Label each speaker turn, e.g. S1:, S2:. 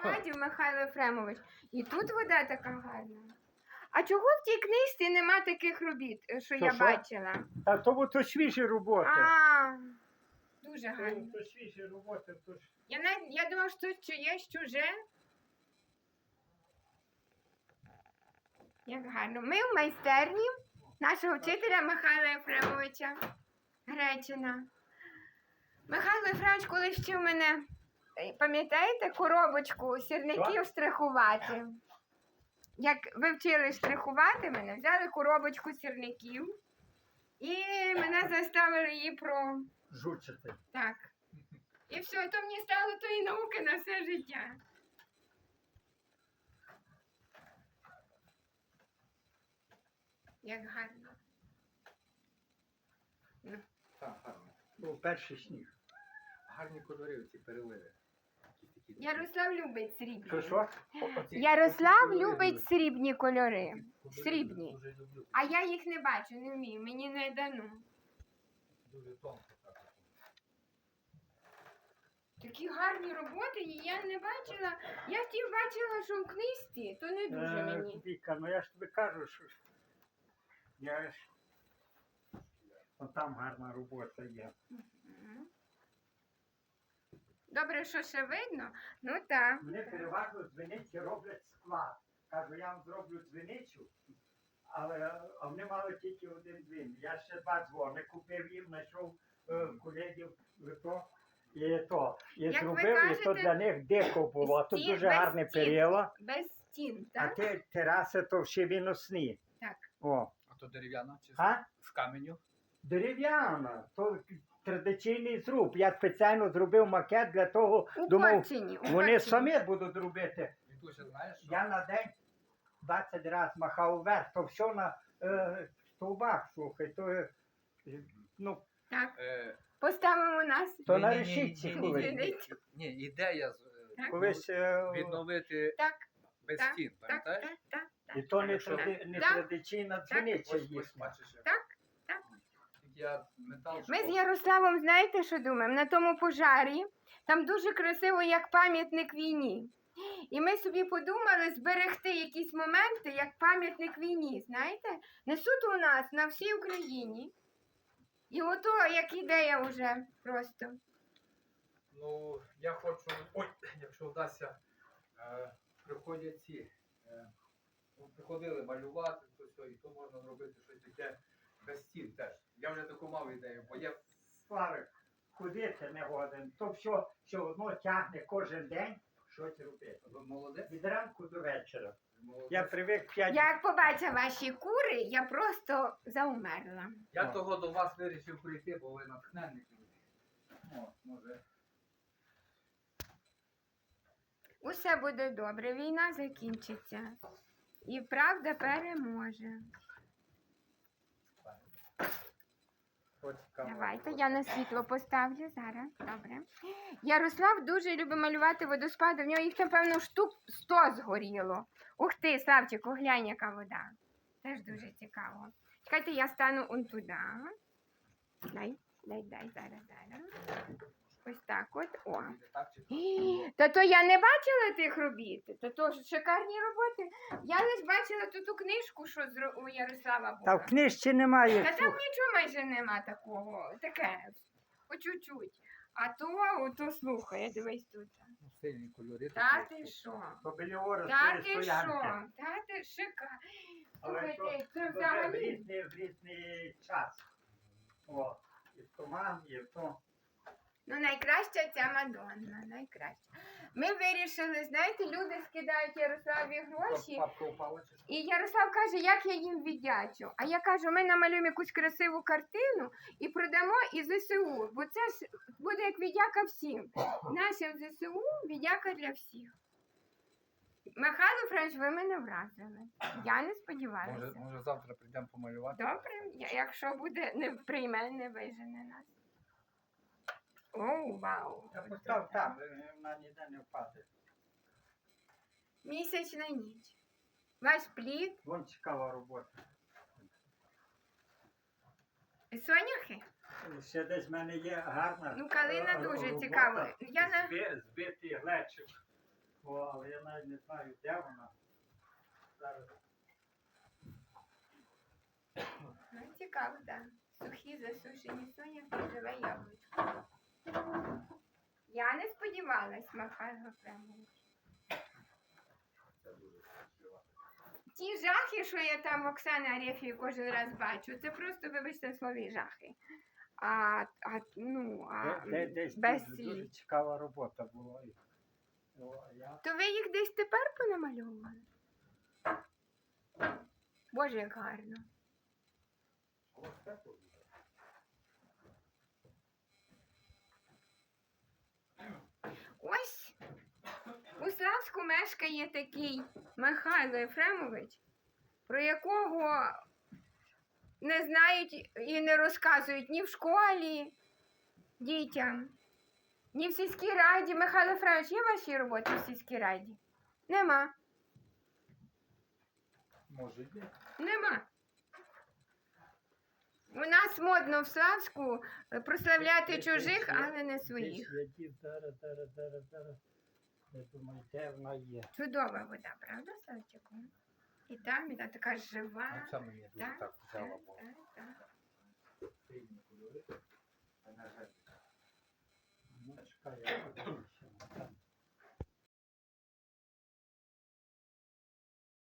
S1: Аркадів Михайло Єфремович. І тут вода така гарна. А чого в тій книжці нема таких робіт, що я
S2: Що?
S1: бачила?
S2: Та то свіжі роботи.
S1: А, дуже гарно.
S2: То свіжі роботи, то ж.
S1: Я думав, що тут чиєсь чуже. Як гарно. Ми в майстерні нашого вчителя Михайла Єфремовича Гречина. Михайло Єфремович колись вчив мене, пам'ятаєте, коробочку сірників штрихувати? Як ви вчили штрихувати мене, взяли коробочку сірників і мене заставили її
S2: Жучити.
S1: Так. І все, то мені стало тої науки на все життя. Як гарно.
S3: Так, гарно.
S2: Був перший сніг.
S3: Гарні кольори ці переливи.
S1: Ярослав любить срібні.
S2: Що?
S1: Ярослав любить срібні кольори.
S3: Кольори
S1: Срібні.
S3: Дуже люблю.
S1: А я їх не бачу, не вмію, мені не дано.
S3: Дуже тонко так.
S1: Такі гарні роботи, і я не бачила. Я ті бачила, що в книжці, то не дуже мені.
S2: Віка, ну я ж тобі кажу, що я ж... Там гарна робота є.
S1: Мгм. Добре, що ще видно? Ну так.
S2: Мене переважно дзвіниці роблять склад. Кажу, я вам зроблю дзвіницю, а вони мали тільки один дзвін. Я ще 2 дзвони купив їм, знайшов колегів і то. І
S1: Як ви
S2: зробив, і то
S1: кажете,
S2: для них дико було. А тут
S1: стін-
S2: дуже
S1: без
S2: гарне
S1: стін.
S2: перила,
S1: Без стін,
S2: а
S1: так?
S2: ті тераси то всі виносні.
S1: Так.
S2: О.
S3: А то дерев'яна чи
S2: А?
S3: з каменю?
S2: Дерев'яна, то традиційний зруб. Я спеціально зробив макет для того,
S1: У
S2: думав,
S1: Корчині, у
S2: вони
S1: Корчині.
S2: самі будуть робити.
S3: Вікуся, знаєш, що?
S2: Я на день 20 разів махав вверх, то все на стовбах, слухай, то, ну,
S1: Так.
S3: Е,
S1: Поставимо нас.
S2: то на
S3: ні-ні-ні,
S2: решітці
S3: ні-ні-ні.
S2: колись.
S3: Ні, ідея
S1: Так.
S2: Колись,
S3: відновити
S1: Так,
S3: без
S1: так,
S3: стін,
S1: так,
S3: пам'ятаєш?
S1: так, так, так.
S2: і то не,
S3: Якщо-
S2: не
S1: Так.
S2: традиційна дзвіниця
S3: Ось
S2: їхня.
S3: бачиш, як.
S1: Так, так.
S3: Я метал.
S1: Ми з
S3: шкода.
S1: Ярославом, знаєте, що думаємо? На тому пожарі, там дуже красиво, як пам'ятник війні. І ми собі подумали зберегти якісь моменти, як пам'ятник війні, знаєте? Несуть у нас на всій Україні. І ото, як ідея вже просто.
S3: Ну, я хочу, ой, якщо вдасться, приходять ці, приходили малювати, то все, і то можна зробити щось таке без стін теж. Я вже таку мав ідею, бо є.
S2: Славик, ходити не годен, то все одно тягне кожен день щось робити.
S3: Ви молодець?
S2: Від ранку до вечора.
S3: Молодець.
S2: Я привик 5
S1: Як побачив ваші кури, я просто заумерла.
S3: Я того до вас вирішив прийти, бо ви натхненник. О, може.
S1: Усе буде добре, війна закінчиться. І правда переможе. Давайте, я на світло поставлю зараз. Добре. Ярослав дуже любить малювати водоспади. В нього їх, напевно, штук 100 згоріло. Ух ти, Славчику, глянь, яка вода. Теж дуже цікаво. Чекайте, я стану он туди. Дай, зараз. Ось так от. О.
S3: Так, чи
S1: Та то я не бачила тих робіт. То ж шикарні роботи. Я лише бачила ту книжку, що у Ярослава
S2: Та
S1: була.
S2: в книжці немає.
S1: Та там нічого майже нема такого. Таке. По чуть-чуть. А то слухай, дивись тут.
S3: сильні кольори.
S1: Та
S3: такі.
S1: ти що?
S2: То біля ора
S1: Та ти
S2: стоянки.
S1: що? Та ти шикарно.
S2: Але
S1: Слухайте, це
S2: то вже в
S1: взагалі.
S2: різний час. О, і в туман, і в то.
S1: Ну, найкраща ця Мадонна, найкраща. Ми вирішили, знаєте, люди скидають Ярославі гроші.
S3: Папка упала чи що?
S1: І Ярослав каже, як я їм віддячу. А я кажу, ми намалюємо якусь красиву картину і продамо і ЗСУ. Бо це ж буде як віддяка всім. Нашим ЗСУ віддяка для всіх. Михайло Френч, ви мене вразили. Я не сподівалася.
S3: Може завтра прийдемо помалювати?
S1: Добре, якщо буде, не прийме, не вижене нас. О, вау.
S2: Я постав там, вона ніде не впаде.
S1: Місячна ніч. Ваш плід.
S2: Вон цікава робота.
S1: Соняхи?
S2: Ще десь в мене є гарна.
S1: Ну, калина дуже
S2: робота.
S1: цікава. Я на...
S2: Збитий глечик. О, але я навіть не знаю, де вона. Зараз.
S1: Ну, цікаво, так. Сухі засушені соняхи, живе яблучко. Я не сподівалась, Михайло Ефремович. Ті жахи, що я там Оксани Арефії кожен раз бачу, це просто, вибачте, слові жахи.
S2: Десь
S1: без
S2: дуже
S1: слів.
S2: цікава робота була. О, я
S1: То ви їх десь тепер понамальовували? Боже, як гарно. Ось у Славську мешкає такий Михайло Ефремович, про якого не знають і не розказують ні в школі дітям, ні в сільській раді. Михайло Ефремович, є ваші роботи в сільській раді? Нема.
S2: може є.
S1: Нема. У нас модно в Славську прославляти чужих, але не своїх.
S2: Десь я дів, зараз. Я думаю, де вона є.
S1: Чудова вода, правда, Славчику? І там така жива.
S3: Це мені дуже
S1: Так,
S3: так взяла,
S1: так,
S3: бо
S1: так, так.
S3: сильні кольори. А на жаль,
S2: Ну, чекай, я подивлюсь.